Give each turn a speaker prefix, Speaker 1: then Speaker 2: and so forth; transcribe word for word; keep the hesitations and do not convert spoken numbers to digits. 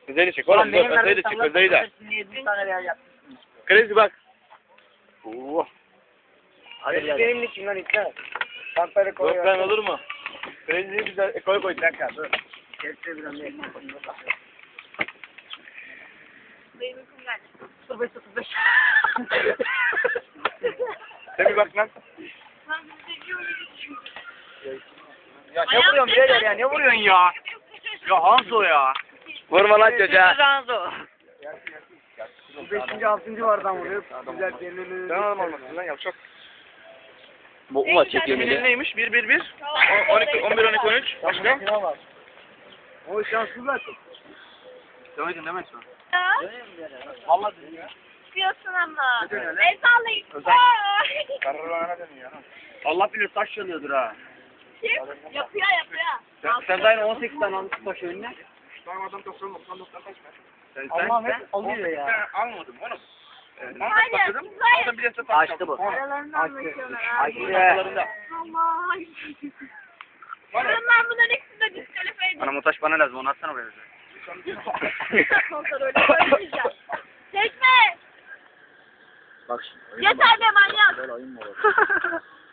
Speaker 1: Özel'i çek oğlum. Özel'i de çek. Özel'i de. Crazy bak. Oo.
Speaker 2: Hadi benim niçin lan iptal. Pampere koy.
Speaker 1: Yok lan olur mu? Crazy'yi güzel ekoya koy. Bir dakika dur.
Speaker 2: Kepçe bir anda.
Speaker 3: Benim uykum geldi.
Speaker 2: sıfır beş sıfır beş.
Speaker 1: Sen bir bak lan.
Speaker 3: Ben bizi seviyorum.
Speaker 2: Ya ne vuruyorsun birader ya, ne vuruyorsun ya?
Speaker 1: Ya Hanzo ya. Vurma lan çocuğa.
Speaker 2: Ranzo. Beşinci, altıncı vardan vuruyor. Güzel belirli.
Speaker 1: Sen adam olmasın lan yavşak.
Speaker 4: Bu maç çek
Speaker 1: Kimin
Speaker 4: yemini.
Speaker 1: neymiş? bir bir bir. on iki on bir on iki on üç. Başka?
Speaker 2: O şanssızlar.
Speaker 1: Demeydin demesin.
Speaker 2: Vallahi dedim ya.
Speaker 3: Çıkıyorsun ama.
Speaker 2: Neden öyle?
Speaker 3: El sallayın.
Speaker 1: Özel. Kararına dönüyor. Allah bilir taş çalıyordur ha.
Speaker 3: Kim? Yapıyor yapıyor.
Speaker 1: Sen, sen de aynı on sekiz tane almışsın taş önüne. Tamam adam doksan doksan doksan taş ver. Sen
Speaker 2: Allah
Speaker 1: sen
Speaker 2: hep alıyor ya.
Speaker 1: almadım oğlum.
Speaker 3: Hayır,
Speaker 1: Başladım.
Speaker 3: hayır.
Speaker 1: Orada bir de taş
Speaker 4: Açtı bu.
Speaker 3: Aralarında anlaşıyorlar abi.
Speaker 1: Aralarında.
Speaker 3: Allah. Ben bunların ikisini de diskalifiye edeyim.
Speaker 1: Bana taş bana lazım onu atsana böyle.
Speaker 3: Kontrolü koymayacağım. Çekme.
Speaker 4: Bak şimdi.
Speaker 3: Yeter be manyak.
Speaker 4: Böyle oyun mu olur?